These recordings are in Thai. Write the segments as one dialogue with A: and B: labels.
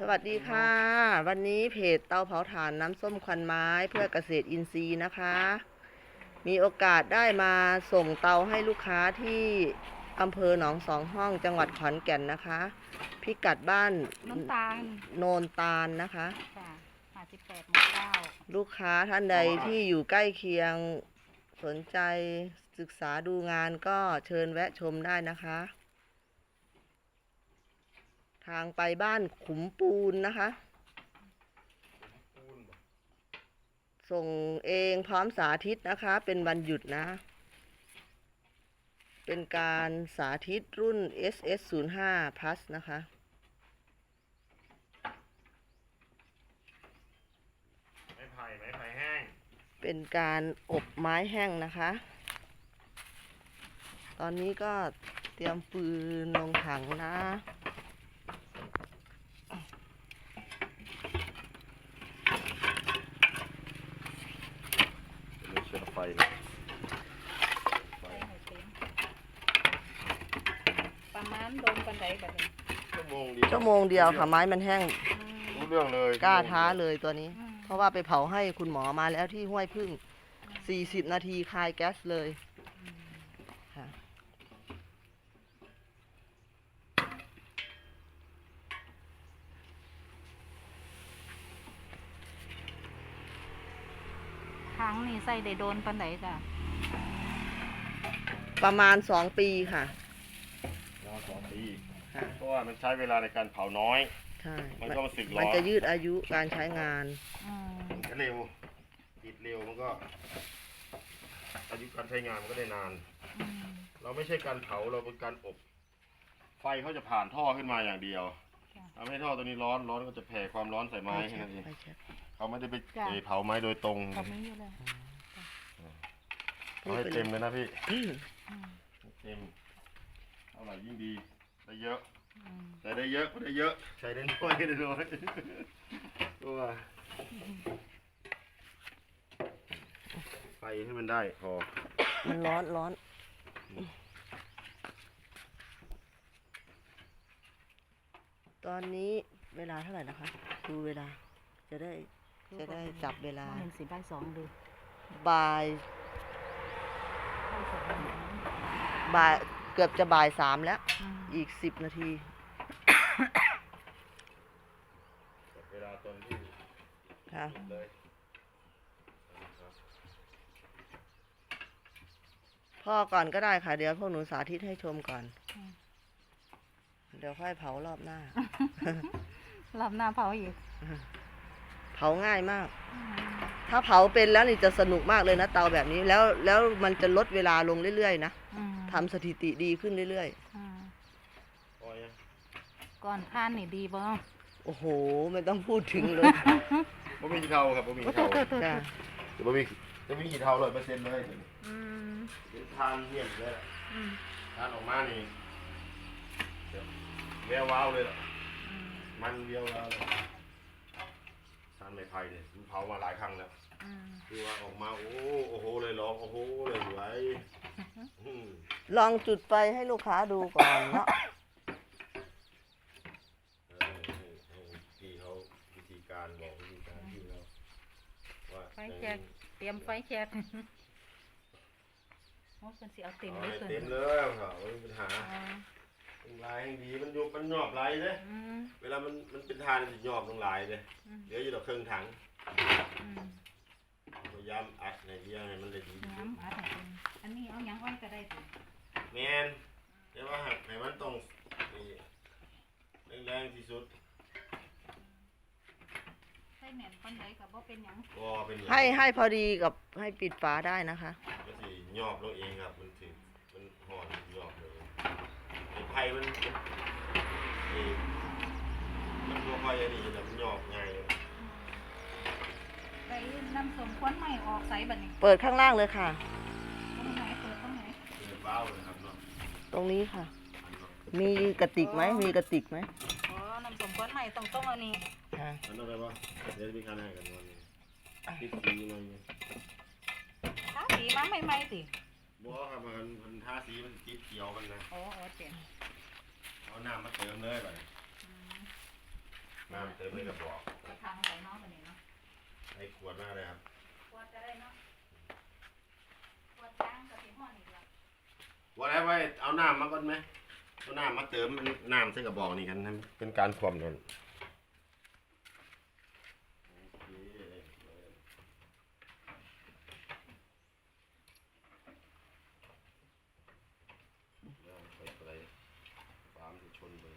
A: สวัสดีค่ะวันนี้เพจเตาเผาถ่านน้ำส้มควันไม้เพื่อเกษตรอินทรีย์นะคะมีโอกาสได้มาส่งเตาให้ลูกค้าที่อำเภอหนองสองห้องจังหวัดขอนแก่นนะคะพิกัดบ้าน
B: น้ำตาล
A: โนนตาลนะคะ
B: ค่ะ58 หมู่ 9
A: ลูกค้าท่านใดที่อยู่ใกล้เคียงสนใจศึกษาดูงานก็เชิญแวะชมได้นะคะทางไปบ้านขุมปูนนะคะส่งเองพร้อมสาธิตนะคะเป็นวันหยุดนะเป็นการสาธิตรุ่น SS05 Plus นะคะ
C: ไม้ไผ่แห้ง
A: เป็นการอบไม้แห้งนะคะตอนนี้ก็เตรียมปืนลงถังนะ
C: มีเชื้อไฟ
B: ประมาณโดนกันไดแบบนี้
A: ชั่วโมงเดียวค่ะไม้มันแห้ง
C: รู้เรื่องเลย
A: กล้าท้าเลยตัวนี้เพราะว่าไปเผาให้คุณหมอมาแล้วที่ห้วยพึ่ง40 นาทีคายแก๊สเลยค่ะ
B: ครั้งนี้ใส่ได้โดนปันไดจ้ะ
A: ประมาณ2 ปีค่ะ
C: 2 ปีเพราะว่ามันใช้เวลาในการเผาน้อย
A: ใช่
C: มันก็มาสึกร้อน
A: มันจะยืดอายุการใช้งาน
C: มันก็เร็วติดเร็วมันก็อายุการใช้งานมันก็ได้นานเราไม่ใช่การเผาเราเป็นการอบไฟเขาจะผ่านท่อขึ้นมาอย่างเดียวทำให้ท่อตัวนี้ร้อนก็จะแผ่ความร้อนใส่ไม้แค่นั้นเองเขาไม่ได้ไปเผาไม้โดยตรงเอาให้เต็มเลยนะพี่เต็มเท่าไหร่ยิ่งดีได้เยอะใส่ได้เยอะก็ได้เยอะใส่ได้น้อยก็ได้น้อยตัวไฟให้มันได้พอ
A: มันร้อนตอนนี้เวลาเท่าไหร่นะคะดูเวลาจะได้จับเวลา
B: 1:02ดู
A: บ่ายเกือบจะบ่าย 3แล้วอีก10 นาที
C: เวลาตอนที่
A: ค่ะพ่อก่อนก็ได้ค่ะเดี๋ยวพวกหนูสาธิตให้ชมก่อนเดี๋ยวค่อยเผารอบหน้า
B: รอบหน้าเผาอีก
A: เผาง่ายมากถ้าเผาเป็นแล้วนี่จะสนุกมากเลยนะเตาแบบนี้แล้วมันจะลดเวลาลงเรื่อยๆนะทำสถิติดีขึ้นเรื่อย
B: ๆก่อนผ่านนี่ดีบ่
A: โอ้โหไม่ต้องพูดถึงเลย
C: บ่มีเทาครับบ่มีเทา
A: จ้ะ
C: จะบ่มีกี่เทา100%เลยเป็นทานเยี่ยมเลยทานออกมานี่แวววาวเลยล่ะมันเวียววาวเลยทานไม้ไผ่เนี่ยมันเผามาหลายครั้งแล้วคือว่าออกมาโอ้โหเลยร้องโอ้โหเลยสวย
A: ลองจุดไฟให้ลูกค้าดูก่อนเนาะ
C: ที่เขาวิธีการบอกวิธีการที่เราว่า
B: ไฟแช็กเตรียมไฟแช็กโอ้เป็นสิเอาเต็มเลย
C: เต็มเลยค่ะไม่มีปัญหาลายดีมันยุบมันหยอบลายเลยเวลามันเป็นทานมันหยอบลงลายเลยเดี๋ยวอยู่ดอกเครื่องถังพยายามอัดในเดียวให้มันเลยดี
B: อันนี้เอายังอ้อยก็ได้สิ
C: แมนเดี๋ยวว่าให้มันตรงแรงที่สุด
B: ใส่แหนมปันไดกับว่าเป็นยัง
A: ให้พอดีกับให้ปิดฝาได้นะคะ
C: ก็สิหยอบลงเองครับมันห่อนหยอบเลยไอ้ไผ่มันตัวไฟอันนี้แบบหยอบง่าย
B: ไปน้ำส้มควันใหม่ออกใส่บัดนี้
A: เปิดข้างล่างเลยค่ะ
B: ตรงไหนเปิดตรงไหน
C: เปิดว้าวเลยครับเนาะ
A: ตรงนี้ค่ะมีกระติกไหมมีกระติกไหม
B: อ๋อน้ำส้มควันใหม่ต้องอันนี้
A: ค่ะ
C: อันนั้นอะไรวะเดี๋ยวมีการให้กันวันนี้ติดสีหน่อย
B: ทาสีมาใหม่ๆสิ
C: บัวครับมันทาสีมันติดเขียวกันนะ
B: อ๋อเจ๋ง
C: เอาน้ำมาเติมเลยไปน้ำเติมในกระบอก
B: กระทางใส่น้องแบบนี้เนาะ
C: ไอ้ขวดมากเลยครับ
B: ขวดจะได้เนาะขวดจ้างกับที่ห้อนี่เดียว
C: ว่าแล้วไว้เอาน้ำมาก่อนไหมเอาน้ำมาเติมน้ำใส่กระบอกนี่กันนะเป็นการความนั่นโอเคไปฟาร์มที่ชนเลย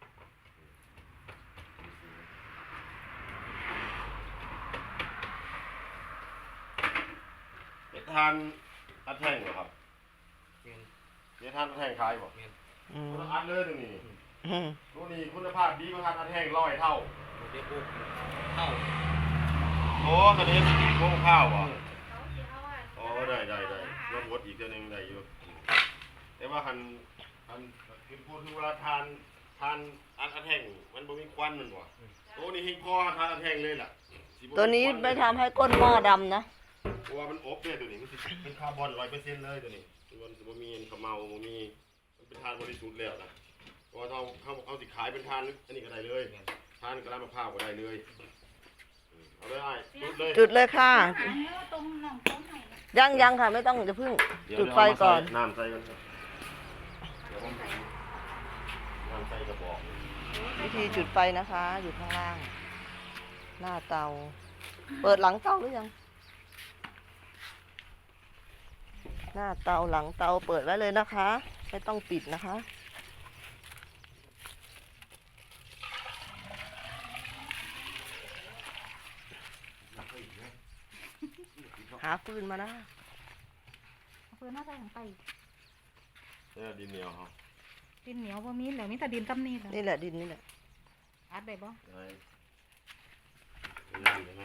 C: เดี๋ยวทานอัดแท่งเหรอครับเดี๋ยวทานอัดแท่งขายบ่
A: อืม
C: คุณอัดเลยตรงนี้
A: อืม
C: ตัวนี้คุณภาพดีประทานอัดแห้ง100 เท่า
D: เด็กปุ๊บเข้า
C: โอ้ตอนนี้โค้งข้าวอ่ะ
B: เขาสิเอาอ่ะ
C: อ๋อได้ลดวดอีกเดือนหนึงได้อยู่แต่ว่าคันคือพูดถึงเวลาทานอัดแห้งมันบ่มีควันมันว่ะตัวนี้หิ้งพอทานอัดแห้งเลยล่ะสิบ่
A: ตัวนี้ไม่ทำให้ก้นหม้อดำนะ
C: เพราะว่ามันอบเนี่ยตัวนี้มันสิเป็นคาร์บอน100%เลยตัวนี้มันสิบ่มีขมเมาบ่มีมันเป็นทานบริสุทธิ์แล้วนะเพราะว่าเขาสิขายเป็นทานอันนี้ก็ได้เลยทานกระลามะพร้าวก็ได้เลยเอาเลยไอ้จุดเลย
A: จุดเลยค่ะ
B: หาเนื้อตรงหนองต้นไหนนะ
A: ยังค่ะไม่ต้องจะพึ่ง
C: เดี๋ยว
A: จุดไฟก่อน
C: น้ำใส่กันครับเดี๋ยวผมน้ำใส่กระบอก
A: วิธีจุดไฟนะคะ อยู่ข้างล่าง หน้าเตา เปิดหลังเตาหรือยัง หน้าเตาหลังเตาเปิดไว้เลยนะคะ ไม่ต้องปิดนะคะ หาฟืนมานะ
B: เอาเพื่อนน่าใส่ของไป
C: เนี่ยดินเหนียวครับ
B: ดินเหนียวบ่มีเหลือมีแต่ดินกำนี่แหละ
A: นี่แหละดินนี่แหละ
B: อัดได้บ่
C: ได้นั่นได้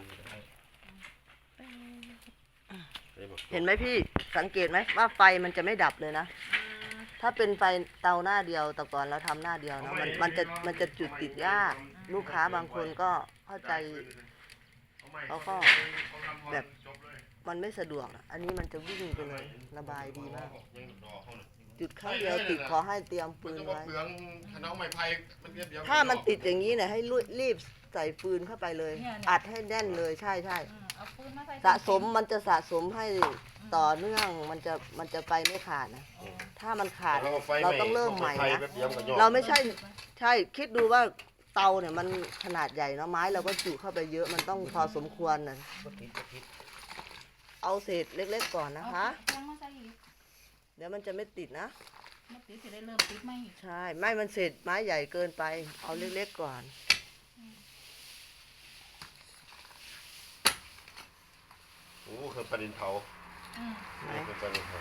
C: บ่
A: เห็นไหมพี่สังเกตไหมว่าไฟมันจะไม่ดับเลยนะ ถ้าเป็นไฟเตาหน้าเดียวแต่ก่อนเราทำหน้าเดียวนะมันจะจุดติดยาก ลูกค้าบางคนก็เข้าใจ เขาก็แบบ มันไม่สะดวกอะอันนี้มันจะวิ่งไปเลยระบายดีมาก จุดครั้งเดียวติดขอให้เตรียม
C: ปื
A: ปื
C: น
A: น
C: ไว้
A: ไว้
C: เปลืองขนมไม้ไผ่มันเดียว
A: ถ้ามันติดอย่างนี้เนี่ยให้รีบใส่ปืนเข้าไปเลย อัดให้แน่นเลยใช่
B: เอาปืนมาใส่
A: สะสมมันจะสะสมให้ต่อเนื่องมันจะไปไม่ขาดนะ ถ้ามันขาดเราต้องเริ่มใหม่นะ เราไม่ใช่คิดดูว่าเตาเนี่ยมันขนาดใหญ่เนาะไม้เราก็จุเข้าไปเยอะมันต้องพอสมควรนะเอาเศษเล็กๆก่อนนะคะ
B: ยังมาใส่อีก
A: เดี๋ยวมันจะไม่ติดนะ
B: มันติดจะได้เริ่มติดไหม
A: ใช่ไม่มันเศษไม้ใหญ่เกินไป เอาเล็กๆก่อน
C: โอ้คือประเด็นเผา
B: อืม
C: คือประเด็นเผา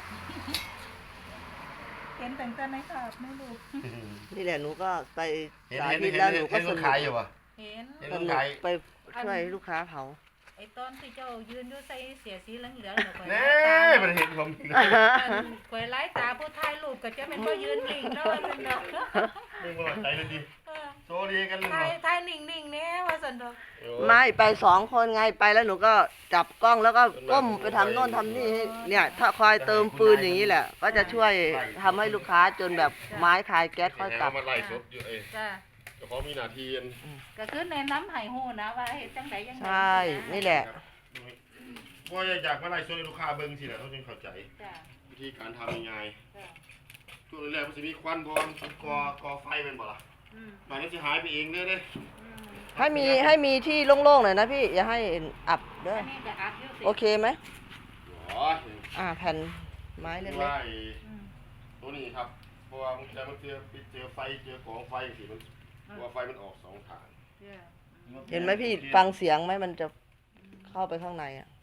B: เห็นแต่งแต่ในภาพไม่รู้
A: นี่แหละหนูก็ไป
C: เห็น
A: สา
C: เห็น
A: ธิ
C: เห็
A: ต
C: น
A: แล้วหนูก็
C: เห็น
A: ส
C: คน
A: นุก
C: ขายอยู่ป่ะ
B: เห็น
C: เห็น
A: ส
C: คน
A: นุก
C: ขาย
A: ไปช่วยลูกค้าเผา
B: ไอ้ตอนที่เจ้ายืนอยู่ใส่เสียสีเหลืองๆเดี๋ยวคอย
C: เน่มันเห็นผมอีกแล้ว
B: คอยไล่ตาผู้ถ่ายรูปก็จะเป็นผู้ยืนนิ่งเนาะสันดอก
C: นี่ก็ใจเลยดีโชว์ดีกันเลย
B: ถ่ายนิ่งๆเนี่ยว่าสันดอก
A: ไม่ไป2 คนไงไปแล้วหนูก็จับกล้องแล้วก็ก้มไปทำโน่นทำนี่ให้เนี่ยถ้าคอยเติมฟืนอย่างนี้แหละ ก็จะช่วยทำให้ลูกค้าจนแบบไม้คลายแก๊สค่อยกลับ
C: มาไล่สดอยู่เอ้
B: จ้า
C: ก็เพราะมีหน้าที่อัน
B: ก็คือในน้ำไห่หูนะว่าเฮ็ดจังไดยังไง
A: ใช่นี่แหละ
C: ว่าอยากมาไล่สดให้ลูกค้าเบิ่งสิแหละเขาจึงเข้าใจ
B: จ้า
C: วิธีการทำยังไง
B: จ้า
C: ช่วงแรกมันจะมีควันพอมันก่อไฟเป็นบ่ล่ะ
B: อืม
C: มันก็จะหายไปเองเด้อ
B: อืม
A: ให้มีที่โล่งๆหน่อยนะพี่อย่าให้อับเด้อ
B: อันนี้จะอัดอยู่สิ
A: โอเคไหม
C: อ๋อ
A: แผ่นไม้เล็ก
C: ว่า
B: อืม
C: ตัวนี้ครับ เพราะว่ามันจะมันเจอไฟเจอกองไฟสิมันว่าไฟมันออก2 ทาง
B: จ้า
A: ๆเห็นไหมพี่ฟังเสียงไหมมันจะเข้าไปข้างในอ่ะ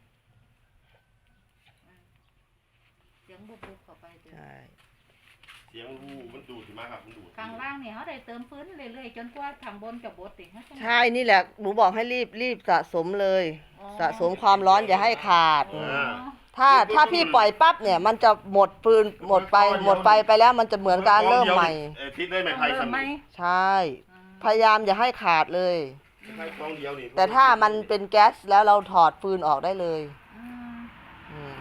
B: เสียงบุบๆเข้าไปจ้ะ
A: ใช่
C: เสียงรูมันดูดสิมาครับมันดูด
B: ข้างล่างเนี่ยเขาได้เติมฟื้นเรื่อยๆจนกว่าทางบนจะบดติ
A: ใช่นี่แหละหนูบอกให้รีบสะสมเลย
B: อ๋อ
A: สะสมความร้อนอย่าให้ขาด
B: อ๋อ
A: ถ้าพี่ปล่อยปั๊บเนี่ย มันจะหมดฟืนหมดไปแล้วมันจะเหมือนการเริ่มใหม่
C: ทิศได้ไหม
B: ต้อง
C: ไผ่
B: เริ่
C: ส
B: ม
C: มุ
B: ไหม
C: น
A: ใช่ พยายามอย่าให้ขาดเลย
C: ไผ่กองเดียวนี่
A: แต่ถ้ามันเป็นแก๊สแล้วเราถอดฟืนออกได้เลย
B: อืม
A: อืม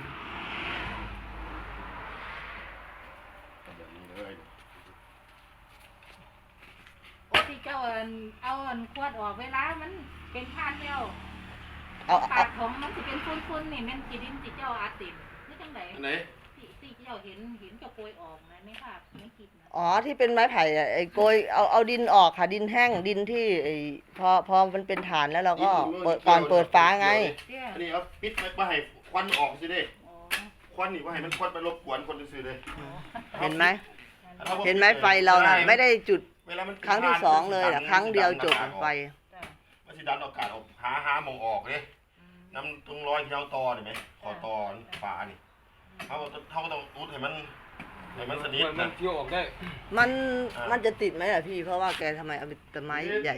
C: แบบนี้เลย
B: โอ้ที่เจ้าขวดออกเวลามันเป็นทานแล้ว
A: เอา
B: ปากของมันสิเป็นฟุ้นๆนี่แม่นกี่ดินสิเจ้าอาติมนี่จังได
C: อันไหน
B: ที่เจ้าเห็นเจ้าโกยออกนะไม่ค่ะไม่คิดนะ
A: อ๋อที่เป็นไม้ไผ่อะไอ้โกยเอาดินออกค่ะดินแห้งดินที่ไอ้พอมันเป็นฐานแล้วเราก็ก่อนเปิดฝาไง
B: เจ้า
C: อันนี้เอาปิดไว้ให้ควันออกสิเด้
B: อ๋อ
C: ควันนี่ว่าให้มันควันไปรบกวนคนซื่อๆเลย
A: เห็นไหม
C: ถ้าว่า
A: เห็นไหมไฟเราน่ะไม่ได้จุด
C: เวลามัน
A: ครั้งที่สองเลยอะครั้งเดียวจบไฟ
B: จ้ะ
C: มันสิดันอากาศออกหาหมองออกเลย
B: อืม
C: น้ำตรงรอยที่เราตอเห็นไหมขอตอฝานี่เขาก็ต้องอุดให้มันสนิท
D: มั
C: นะ
D: นเกี่ยวออกได้
A: มันจะติดไหมล่ะพี่ เพราะว่าแกทำไมเอาแต่ไม้ใหญ่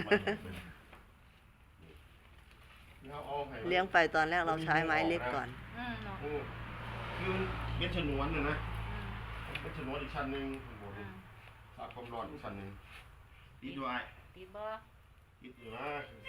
A: เลี้ยงไปตอนแรกเราใช้ไม้เล็กก่อน
B: อืมเนาะ
C: คือเม็ดชนวนน่ะนะ
B: อืม
C: เม็ดชนวนอีกชั้นหนึ่งข้างบน
B: อืม
C: สาดความร้อนอีกชั้นหนึ่งปิดด้วย
B: ติดบ่
C: ปิดอยู่นะ